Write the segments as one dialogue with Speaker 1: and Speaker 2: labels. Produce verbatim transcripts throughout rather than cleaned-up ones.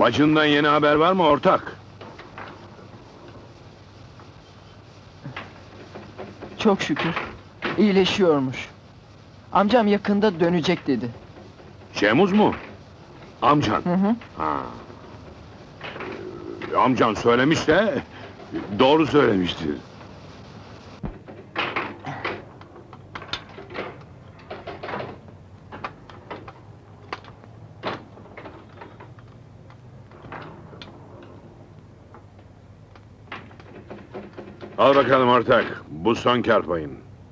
Speaker 1: Bacından yeni haber var mı ortak?
Speaker 2: Çok şükür. İyileşiyormuş. Amcam yakında dönecek dedi.
Speaker 1: Şemuz mu? Amcan.
Speaker 2: Hı hı.
Speaker 1: Ha. Ee, Amcan söylemiş de... ...doğru söylemiştir. Al bakalım ortak, bu son kâr payın.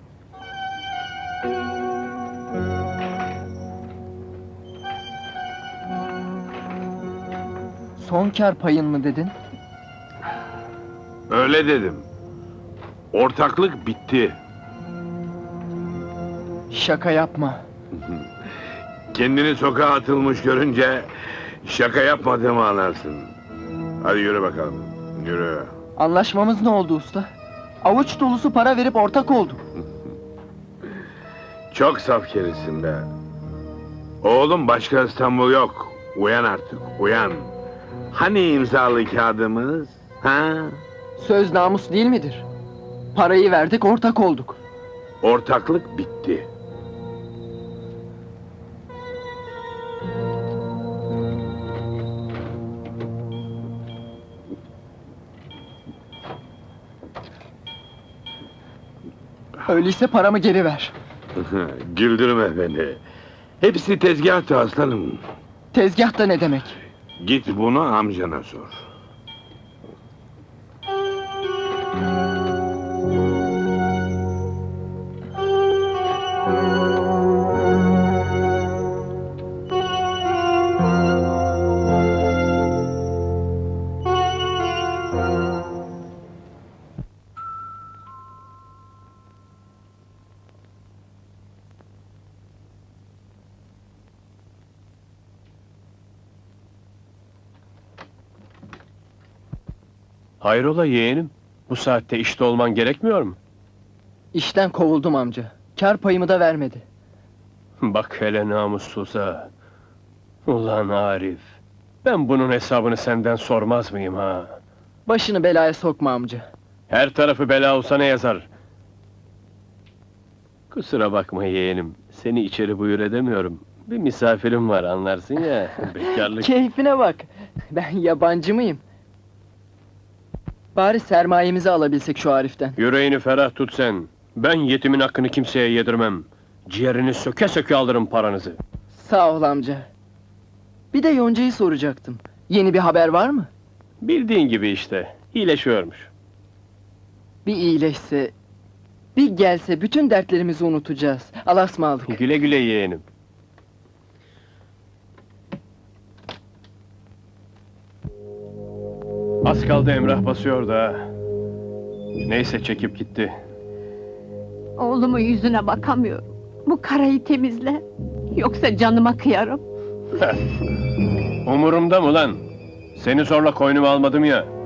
Speaker 2: Son kâr payın mı dedin?
Speaker 1: Öyle dedim. Ortaklık bitti.
Speaker 2: Şaka yapma.
Speaker 1: Kendini sokağa atılmış görünce... ...şaka yapmadığımı anlarsın. Hadi yürü bakalım, yürü.
Speaker 2: Anlaşmamız ne oldu usta? Avuç dolusu para verip ortak olduk.
Speaker 1: Çok saf kerisin be. Oğlum, başka İstanbul yok. Uyan artık, uyan. Hani imzalı kağıdımız? Ha?
Speaker 2: Söz namus değil midir? Parayı verdik, ortak olduk.
Speaker 1: Ortaklık bitti.
Speaker 2: Öyleyse paramı geri ver.
Speaker 1: Güldürme beni. Hepsi tezgahtı aslanım.
Speaker 2: Tezgahta ne demek?
Speaker 1: Git bunu amcana sor.
Speaker 3: Hayrola yeğenim? Bu saatte işte olman gerekmiyor mu?
Speaker 2: İşten kovuldum amca. Kâr payımı da vermedi.
Speaker 3: Bak hele namussuza! Ulan Arif! Ben bunun hesabını senden sormaz mıyım ha?
Speaker 2: Başını belaya sokma amca.
Speaker 3: Her tarafı bela olsa ne yazar? Kusura bakma yeğenim, seni içeri buyur edemiyorum. Bir misafirim var, anlarsın ya, bekarlık...
Speaker 2: Keyfine bak. Ben yabancı mıyım? Bari sermayemizi alabilsek şu Arif'ten.
Speaker 3: Yüreğini ferah tut sen! Ben yetimin hakkını kimseye yedirmem! Ciğerini söke söke alırım paranızı!
Speaker 2: Sağ ol amca. Bir de Yonca'yı soracaktım. Yeni bir haber var mı?
Speaker 3: Bildiğin gibi işte, iyileşiyormuş.
Speaker 2: Bir iyileşse... Bir gelse bütün dertlerimizi unutacağız. Allah'a ısmarladık.
Speaker 3: Güle güle yeğenim! Az kaldı Emrah basıyor da... Neyse çekip gitti.
Speaker 4: Oğlumun yüzüne bakamıyorum. Bu karayı temizle. Yoksa canıma kıyarım.
Speaker 3: Umurumda mı lan? Seni zorla koynuma almadım ya.